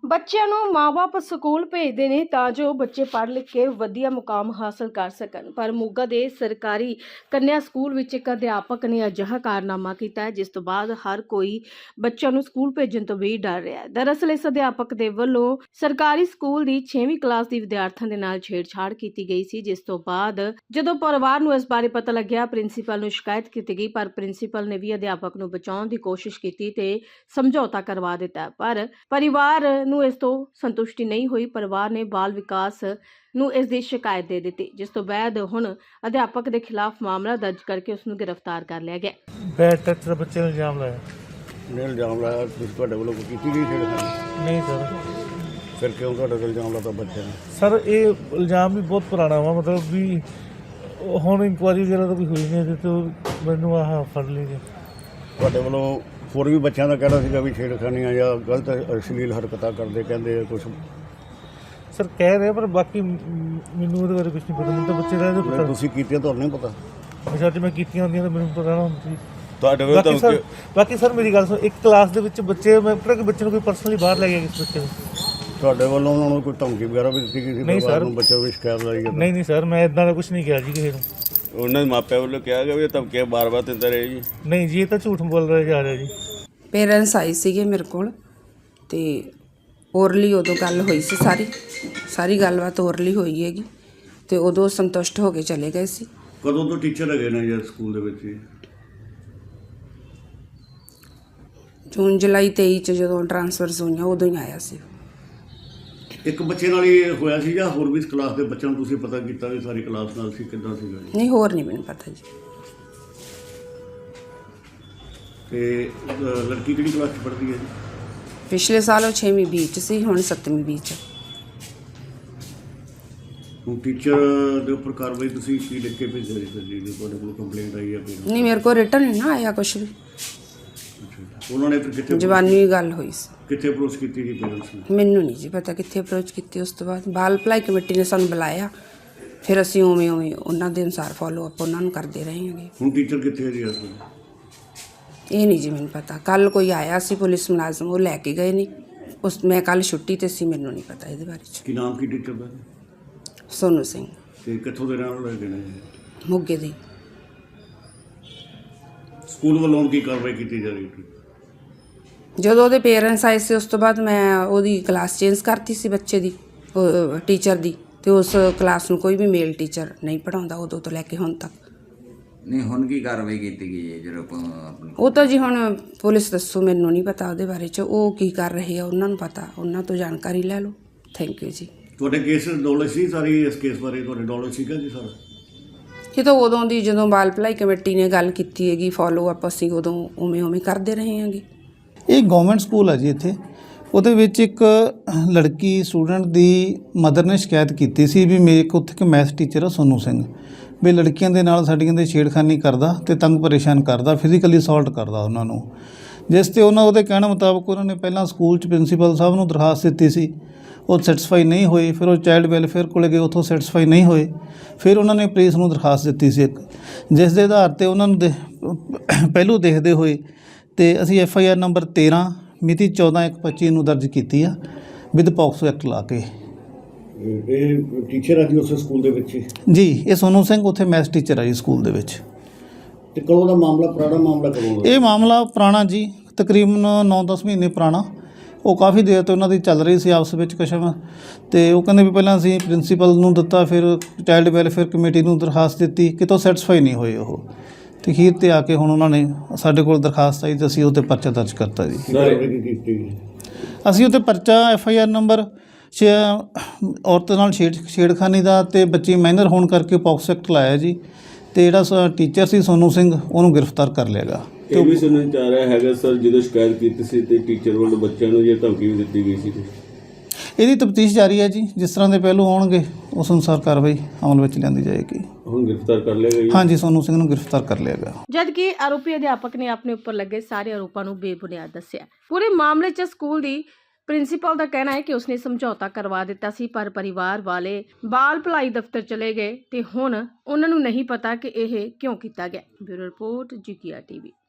ਬੱਚਿਆਂ ਨੂੰ ਮਾਂ-ਬਾਪ ਸਕੂਲ ਭੇਜਦੇ ਨੇ ਤਾਂ ਜੋ ਬੱਚੇ ਪੜ੍ਹ ਲਿਖ ਕੇ ਵਧੀਆ ਮੁਕਾਮ ਹਾਸਲ ਕਰ ਸਕਣ। ਪਰ ਮੋਗਾ ਦੇ ਸਰਕਾਰੀ ਕੰਨਿਆ ਸਕੂਲ ਵਿੱਚ ਇੱਕ ਅਧਿਆਪਕ ਨੇ ਅਜਿਹਾ ਕਾਰਨਾਮਾ ਕੀਤਾ ਹੈ ਜਿਸ ਤੋਂ ਬਾਅਦ ਹਰ ਕੋਈ ਬੱਚਿਆਂ ਨੂੰ ਸਕੂਲ ਭੇਜਣ ਤੋਂ ਵੀ ਡਰ ਰਿਹਾ ਹੈ। ਦਰਅਸਲ ਇਸ ਅਧਿਆਪਕ ਦੇ ਵੱਲੋਂ ਸਰਕਾਰੀ ਸਕੂਲ ਦੀ 6ਵੀਂ ਕਲਾਸ ਦੀ ਵਿਦਿਆਰਥਣ ਦੇ ਨਾਲ ਛੇੜਛਾੜ ਕੀਤੀ ਗਈ ਸੀ, ਜਿਸ ਤੋਂ ਬਾਅਦ ਜਦੋਂ ਪਰਿਵਾਰ ਨੂੰ ਇਸ ਬਾਰੇ ਪਤਾ ਲੱਗਿਆ, ਪ੍ਰਿੰਸੀਪਲ ਨੂੰ ਸ਼ਿਕਾਇਤ ਕੀਤੀ ਗਈ। ਪਰ ਪ੍ਰਿੰਸੀਪਲ ਨੇ ਵੀ ਅਧਿਆਪਕ ਨੂੰ ਬਚਾਉਣ ਦੀ ਕੋਸ਼ਿਸ਼ ਕੀਤੀ ਤੇ ਸਮਝੌਤਾ ਕਰਵਾ ਦਿੱਤਾ, ਪਰ ਪਰਿਵਾਰ ਨੂੰ ਇਸ ਤੋਂ ਸੰਤੁਸ਼ਟੀ ਨਹੀਂ ਹੋਈ। ਪਰਿਵਾਰ ਨੇ ਬਾਲ ਵਿਕਾਸ ਨੂੰ ਇਸ ਦੀ ਸ਼ਿਕਾਇਤ ਦੇ ਦਿੱਤੀ, ਜਿਸ ਤੋਂ ਬਾਅਦ ਹੁਣ ਅਧਿਆਪਕ ਦੇ ਖਿਲਾਫ ਮਾਮਲਾ ਦਰਜ ਕਰਕੇ ਉਸ ਨੂੰ ਗ੍ਰਿਫਤਾਰ ਕਰ ਲਿਆ ਗਿਆ। ਬੈਡ ਟੱਚ ਦਾ ਬੱਚੇ ਨੂੰ ਇਲਜ਼ਾਮ ਲਾਇਆ। ਨੇ ਇਲਜ਼ਾਮ ਲਾਇਆ ਤੁਸੀਂ ਤੁਹਾਡੇ ਵੱਲੋਂ ਕੋਈ ਕੀਤੀ ਗਈ ਛੇੜਖਾਨੀ? ਨਹੀਂ ਸਰ। ਫਿਰ ਕਿਉਂ ਤੁਹਾਡੇ ਤੇ ਇਲਜ਼ਾਮ ਲਾਤਾ ਬੱਚੇ ਨੇ? ਸਰ ਇਹ ਇਲਜ਼ਾਮ ਵੀ ਬਹੁਤ ਪੁਰਾਣਾ ਵਾ, ਮਤਲਬ ਵੀ ਹੁਣ ਇਨਕੁਆਇਰੀ ਵਗੈਰਾ ਤਾਂ ਕੋਈ ਹੋਈ ਨਹੀਂ ਇਹਦੇ ਤੋਂ ਮੈਨੂੰ ਆਹ ਫੜ ਲਈ ਜੀ। ਤੁਹਾਡੇ ਵੱਲੋਂ ਹੋਰ ਵੀ ਬੱਚਿਆਂ ਦਾ ਕਹਿਣਾ ਸੀਗਾ ਵੀ ਛੇੜਖਾਨੀਆਂ ਜਾਂ ਗਲਤ ਅਸ਼ਲੀਲ ਹਰਕਤਾਂ ਕਰਦੇ ਕਹਿੰਦੇ ਕੁਝ? ਸਰ ਕਹਿ ਰਹੇ ਪਰ ਬਾਕੀ ਮੈਨੂੰ ਉਹਦੇ ਬਾਰੇ ਕੁਝ ਨਹੀਂ ਪਤਾ। ਮੈਨੂੰ ਤਾਂ ਬੱਚੇ ਦਾ ਪਤਾ। ਤੁਸੀਂ ਕੀਤੀਆਂ ਤੁਹਾਨੂੰ ਨਹੀਂ ਪਤਾ? ਅੱਛਾ ਜੇ ਮੈਂ ਕੀਤੀਆਂ ਹੁੰਦੀਆਂ ਤਾਂ ਮੈਨੂੰ ਪਤਾ ਨਾ ਹੁੰਦਾ ਸੀ। ਤੁਹਾਡੇ ਵੱਲੋਂ ਬਾਕੀ ਸਰ ਮੇਰੀ ਗੱਲ ਸੁਣੋ, ਇੱਕ ਕਲਾਸ ਦੇ ਵਿੱਚ ਬੱਚੇ ਮੈਂ ਪਤਾ ਕਿ ਬੱਚੇ ਨੂੰ ਕੋਈ ਪਰਸਨਲੀ ਬਾਹਰ ਲੈ ਗਿਆ ਕਿਸ ਬੱਚੇ ਨੂੰ? ਤੁਹਾਡੇ ਵੱਲੋਂ ਉਹਨਾਂ ਨੂੰ ਕੋਈ ਧਮਕੀ ਵਗੈਰਾ ਵੀ ਦਿੱਤੀ ਗਈ ਸੀ? ਨਹੀਂ ਸਰ। ਬੱਚੇ ਨੂੰ ਸ਼ਿਕਾਇਤ ਲਾਈ ਗਈ? ਨਹੀਂ ਸਰ, ਮੈਂ ਇਦਾਂ ਦਾ ਕੁਝ ਨਹੀਂ ਕਿਹਾ ਜੀ ਕਿਸੇ ਨੂੰ। ਉਹਨਾਂ ਦੇ ਮਾਪਿਆਂ ਵੱਲੋਂ ਕਿਹਾ ਗਿਆ ਵੀ ਧਮਕੀਆਂ ਬਾਰ-ਬਾਰ ਦਿੰਦਾ ਰਹੇ ਜੀ? ਨਹੀਂ ਜੀ, ਇਹ ਤਾਂ ਝੂਠ ਬੋਲ ਰਿਹਾ ਜਾ ਰਿਹਾ ਜੀ। ਪੇਰੈਂਟਸ ਆਏ ਸੀਗੇ ਮੇਰੇ ਕੋਲ ਤੇ ਓਰਲੀ ਉਦੋਂ ਗੱਲ ਹੋਈ ਸੀ, ਸਾਰੀ ਗੱਲਬਾਤ ਓਰਲੀ ਹੋਈ ਹੈਗੀ ਤੇ ਉਦੋਂ ਸੰਤੁਸ਼ਟ ਹੋ ਕੇ ਚਲੇ ਗਏ ਸੀ। ਕਦੋਂ ਤੋਂ ਟੀਚਰ ਹੈਗੇ ਨੇ ਜੀ ਸਕੂਲ ਦੇ ਵਿੱਚ? ਜੂਨ ਜੁਲਾਈ 23 ਚ ਜਦੋਂ ਟ੍ਰਾਂਸਫਰਸ ਹੋਈਆਂ ਉਦੋਂ ਹੀ ਆਇਆ ਸੀ। ਇੱਕ ਬੱਚੇ ਨਾਲ ਹੀ ਹੋਇਆ ਸੀ ਜਾਂ ਹੋਰ ਵੀ ਇਸ ਕਲਾਸ ਦੇ ਬੱਚਿਆਂ ਨੂੰ ਤੁਸੀਂ ਪਤਾ ਕੀਤਾ ਵੀ ਸਾਰੀ ਕਲਾਸ ਨਾਲ ਸੀ? ਕਿੱਦਾਂ ਸੀਗਾ ਜੀ? ਨਹੀਂ, ਹੋਰ ਨਹੀਂ ਮੈਨੂੰ ਪਤਾ ਜੀ। ਤੇ ਲੜਕੀ ਕਿਹੜੀ ਕਲਾਸ 'ਚ ਪੜ੍ਹਦੀ ਹੈ ਜੀ? ਪਿਛਲੇ ਸਾਲ ਉਹ 6ਵੀਂ ਬੀ ਚ ਸੀ, ਹੁਣ 7ਵੀਂ ਬੀ ਚ। ਹੁਣ ਟੀਚਰ ਦੇ ਉੱਪਰ ਕਾਰਵਾਈ ਤੁਸੀਂ ਕੀ ਲਿਖ ਕੇ ਭੇਜਿਆ ਜੀ? ਤੁਹਾਡੇ ਕੋਲ ਕੰਪਲੇਂਟ ਆਈ ਹੈ ਫਿਰ? ਨਹੀਂ, ਮੇਰੇ ਕੋਲ ਰਿਟਨ ਨਹੀਂ ਨਾ ਆਇਆ ਕੁਛ ਵੀ। ਉਹਨਾਂ ਨੇ ਫਿਰ ਕਿੱਥੇ ਜ਼ਬਾਨੀ ਗੱਲ ਹੋਈ ਸੀ। ਕਿੱਥੇ ਅਪਰੋਚ ਕੀਤੀ ਜੀ ਪੇਰੈਂਟਸ ਨੇ? ਮੈਨੂੰ ਨਹੀਂ ਜੀ ਪਤਾ ਕਿੱਥੇ ਅਪਰੋਚ ਕੀਤੀ। ਉਸ ਤੋਂ ਬਾਅਦ ਬਾਲ ਭਲਾਈ ਕਮੇਟੀ ਨੇ ਸਾਨੂੰ ਬੁਲਾਇਆ, ਫਿਰ ਅਸੀਂ ਉਵੇਂ ਉਹਨਾਂ ਦੇ ਅਨੁਸਾਰ ਫੋਲੋ ਅਪ ਉਹਨਾਂ ਨੂੰ ਕਰਦੇ ਰਹੇ ਹਾਂਗੇ। ਹੁਣ ਟੀਚਰ ਕਿੱਥੇ ਹੈ ਜੀ ਇਸ ਵੇਲੇ? ਇਹ ਨਹੀਂ ਜੀ ਮੈਨੂੰ ਪਤਾ। ਕੱਲ ਕੋਈ ਆਇਆ ਸੀ ਪੁਲਿਸ ਮੁਲਾਜ਼ਮ, ਉਹ ਲੈ ਕੇ ਗਏ ਨਹੀਂ। ਮੈਂ ਕੱਲ ਛੁੱਟੀ ਤੇ ਸੀ, ਮੈਨੂੰ ਨਹੀਂ ਪਤਾ ਇਹਦੇ ਬਾਰੇ ਚ। ਕੀ ਨਾਮ ਕੀ ਟੀਚਰ ਦਾ? ਸੋਨੂ ਸਿੰਘ। ਤੇ ਕਿੱਥੋਂ ਦੇ ਰਹਿਣ ਵਾਲੇ ਨੇ? ਮੋਗੇ ਦੀ। ਸਕੂਲ ਵੱਲੋਂ ਕੀ ਕਾਰਵਾਈ ਕੀਤੀ ਜਾ ਰਹੀ ਹੈ? ਜਦੋਂ ਉਹਦੇ ਪੇਰੈਂਟਸ ਆਏ ਸੀ ਉਸ ਤੋਂ ਬਾਅਦ ਮੈਂ ਉਹਦੀ ਕਲਾਸ ਚੇਂਜ ਕਰਤੀ ਸੀ ਬੱਚੇ ਦੀ, ਟੀਚਰ ਦੀ, ਤੇ ਉਸ ਕਲਾਸ ਨੂੰ ਕੋਈ ਵੀ ਮੇਲ ਟੀਚਰ ਨਹੀਂ ਪੜ੍ਹਾਉਂਦਾ ਉਦੋਂ ਤੋਂ ਲੈ ਕੇ ਹੁਣ ਤੱਕ। ਨਹੀਂ, ਹੁਣ ਕੀ ਕਾਰਵਾਈ ਕੀਤੀ ਗਈ ਹੈ ਜਦੋਂ ਉਹ ਤਾਂ ਜੀ ਹੁਣ ਪੁਲਿਸ ਦੱਸੋ, ਮੈਨੂੰ ਨਹੀਂ ਪਤਾ ਉਹਦੇ ਬਾਰੇ ਚ। ਉਹ ਕੀ ਕਰ ਰਹੇ ਆ ਉਹਨਾਂ ਨੂੰ ਪਤਾ, ਉਹਨਾਂ ਤੋਂ ਜਾਣਕਾਰੀ ਲੈ ਲਓ। ਥੈਂਕ ਯੂ ਜੀ। ਤੁਹਾਡੇ ਕੇਸ ਨੌਲੇਜ ਸੀ ਸਾਰੀ? ਇਸ ਕੇਸ ਬਾਰੇ ਤੁਹਾਡੇ ਨੌਲੇਜ ਸੀਗਾ ਜੀ ਸਾਰਾ? ਇਹ ਤਾਂ ਉਦੋਂ ਦੀ ਜਦੋਂ ਬਾਲ ਭਲਾਈ ਕਮੇਟੀ ਨੇ ਗੱਲ ਕੀਤੀ ਹੈਗੀ, ਫੋਲੋ ਅਪ ਅਸੀਂ ਉਦੋਂ ਉਵੇਂ ਕਰਦੇ ਰਹੇ ਹਾਂਗੇ। ਇਹ ਗਵਰਨਮੈਂਟ ਸਕੂਲ ਹੈ ਜੀ। ਇੱਥੇ ਉਹਦੇ ਵਿੱਚ ਇੱਕ ਲੜਕੀ ਸਟੂਡੈਂਟ ਦੀ ਮਦਰ ਨੇ ਸ਼ਿਕਾਇਤ ਕੀਤੀ ਸੀ ਵੀ ਮੇਰੇ ਕੋਲ ਉੱਥੇ ਇੱਕ ਮੈਥ ਟੀਚਰ ਆ ਸੋਨੂ ਸਿੰਘ, ਵੀ ਲੜਕੀਆਂ ਦੇ ਨਾਲ ਸਾਡੀਆਂ ਦੇ ਛੇੜਖਾਨੀ ਕਰਦਾ ਤੇ ਤੰਗ ਪਰੇਸ਼ਾਨ ਕਰਦਾ, ਫਿਜ਼ੀਕਲੀ ਅਸੌਲਟ ਕਰਦਾ ਉਹਨਾਂ ਨੂੰ। ਜਿਸ ਤੇ ਉਹਦੇ ਕਹਿਣ ਮੁਤਾਬਕ ਉਹਨਾਂ ਨੇ ਪਹਿਲਾਂ ਸਕੂਲ 'ਚ ਪ੍ਰਿੰਸੀਪਲ ਸਾਹਿਬ ਨੂੰ ਦਰਖਾਸਤ ਦਿੱਤੀ ਸੀ, ਉਹ ਸੈਟੀਸਫਾਈ ਨਹੀਂ ਹੋਏ। ਫਿਰ ਉਹ ਚਾਈਲਡ ਵੈਲਫੇਅਰ ਕੋਲ ਗਏ, ਉੱਥੋਂ ਸੈਟੀਸਫਾਈ ਨਹੀਂ ਹੋਏ। ਫਿਰ ਉਹਨਾਂ ਨੇ ਪੁਲਿਸ ਨੂੰ ਦਰਖਾਸਤ ਦਿੱਤੀ ਸੀ ਇੱਕ, ਜਿਸ ਦੇ ਆਧਾਰ 'ਤੇ ਉਹਨਾਂ ਨੂੰ ਪਹਿਲੂ ਦੇਖਦੇ ਹੋਏ ਤੇ ਅਸੀਂ FIR ਨੰਬਰ 13 ਮਿਤੀ 14/1/25 ਨੂੰ ਦਰਜ ਕੀਤੀ ਆ ਵਿਦ ਪੌਕਸੋ ਐਕਟ ਲਾ ਕੇ। ਇਹ ਟੀਚਰ ਆ ਜੀ ਉਸ ਸਕੂਲ ਦੇ ਵਿੱਚ ਜੀ? ਇਹ ਸੋਨੂ ਸਿੰਘ ਉੱਥੇ ਮੈਥ ਟੀਚਰ ਆ ਜੀ ਸਕੂਲ ਦੇ ਵਿੱਚ। ਤੇ ਕਦੋਂ ਦਾ ਮਾਮਲਾ? ਪੁਰਾਣਾ ਮਾਮਲਾ ਕਦੋਂ ਦਾ? ਇਹ ਮਾਮਲਾ ਪੁਰਾਣਾ ਜੀ, ਤਕਰੀਬਨ 9-10 ਮਹੀਨੇ ਪੁਰਾਣਾ। ਉਹ ਕਾਫੀ ਦੇਰ ਤੋਂ ਉਹਨਾਂ ਦੀ ਚੱਲ ਰਹੀ ਸੀ ਆਪਸ ਵਿੱਚ ਕਸ਼ਮ, ਤੇ ਉਹ ਕਹਿੰਦੇ ਵੀ ਪਹਿਲਾਂ ਅਸੀਂ ਪ੍ਰਿੰਸੀਪਲ ਨੂੰ ਦਿੱਤਾ, ਫਿਰ ਚਾਈਲਡ ਵੈਲਫੇਅਰ ਕਮੇਟੀ ਨੂੰ ਦਰਖਾਸਤ ਦਿੱਤੀ, ਕਿਤੋਂ ਸੈਟੀਸਫਾਈ ਨਹੀਂ ਹੋਏ ਉਹ। ਤੇ ਅਖੀਰ 'ਤੇ ਆ ਕੇ ਹੁਣ ਉਹਨਾਂ ਨੇ ਸਾਡੇ ਕੋਲ ਦਰਖਾਸਤ ਆਈ ਤੇ ਅਸੀਂ ਉਹ 'ਤੇ ਪਰਚਾ ਦਰਜ ਕਰਤਾ ਜੀ। ਅਸੀਂ ਉਹ 'ਤੇ ਪਰਚਾ FIR ਨੰਬਰ ਔਰਤ ਨਾਲ ਛੇੜਖਾਨੀ ਦਾ ਤੇ ਬੱਚੀ ਮਾਈਨਰ ਹੋਣ ਕਰਕੇ ਪੌਕਸੋ ਐਕਟ ਲਾਇਆ ਜੀ। ਤੇ ਜਿਹੜਾ ਟੀਚਰ ਸੀ ਸੋਨੂ ਸਿੰਘ, ਉਹਨੂੰ ਗ੍ਰਿਫਤਾਰ ਕਰ ਲਿਆ ਗਾ। ਇਹ ਵੀ ਸੁਣਨ ਚ ਆ ਰਿਹਾ ਹੈਗਾ ਸਰ, ਜਦੋਂ ਸ਼ਿਕਾਇਤ ਕੀਤੀ ਸੀ ਤੇ ਟੀਚਰ ਵੱਲੋਂ ਬੱਚਿਆਂ ਨੂੰ ਜਿਹੜੀ ਧਮਕੀ ਵੀ ਦਿੱਤੀ ਗਈ ਸੀ। ਇਹਦੀ ਤਫਤੀਸ਼ ਜਾਰੀ ਹੈ ਜੀ। ਜਿਸ ਤਰ੍ਹਾਂ ਦੇ ਪਹਿਲੂ ਆਉਣਗੇ ਉਸ ਅਨੁਸਾਰ ਕਾਰਵਾਈ ਅਮਲ ਵਿੱਚ ਲਿਆਂਦੀ ਜਾਏਗੀ। ਹੁਣ ਗ੍ਰਿਫਤਾਰ ਕਰ ਲਿਆ ਗਿਆ? ਹਾਂਜੀ, ਸੋਨੂ ਸਿੰਘ ਨੂੰ ਗ੍ਰਿਫਤਾਰ ਕਰ ਲਿਆ ਗਿਆ। ਜਦਕਿ ਆਰੋਪੀ ਅਧਿਆਪਕ ਨੇ ਆਪਣੇ ਉੱਪਰ ਲੱਗੇ ਸਾਰੇ ਆਰੋਪਾਂ ਨੂੰ ਬੇਬੁਨਿਆਦ ਦੱਸਿਆ। ਪੂਰੇ ਮਾਮਲੇ 'ਚ ਸਕੂਲ ਦੀ ਪ੍ਰਿੰਸੀਪਲ ਦਾ ਕਹਿਣਾ ਹੈ ਕਿ ਉਸਨੇ ਸਮਝੌਤਾ ਕਰਵਾ ਦਿੱਤਾ ਸੀ, ਪਰ ਪਰਿਵਾਰ ਵਾਲੇ ਬਾਲ ਭਲਾਈ ਦਫ਼ਤਰ ਚਲੇ ਗਏ ਤੇ ਹੁਣ ਉਹਨਾਂ ਨੂੰ ਨਹੀਂ ਪਤਾ ਕਿ ਇਹ ਕਿਉਂ ਕੀਤਾ ਗਿਆ। Bureau report GKR TV।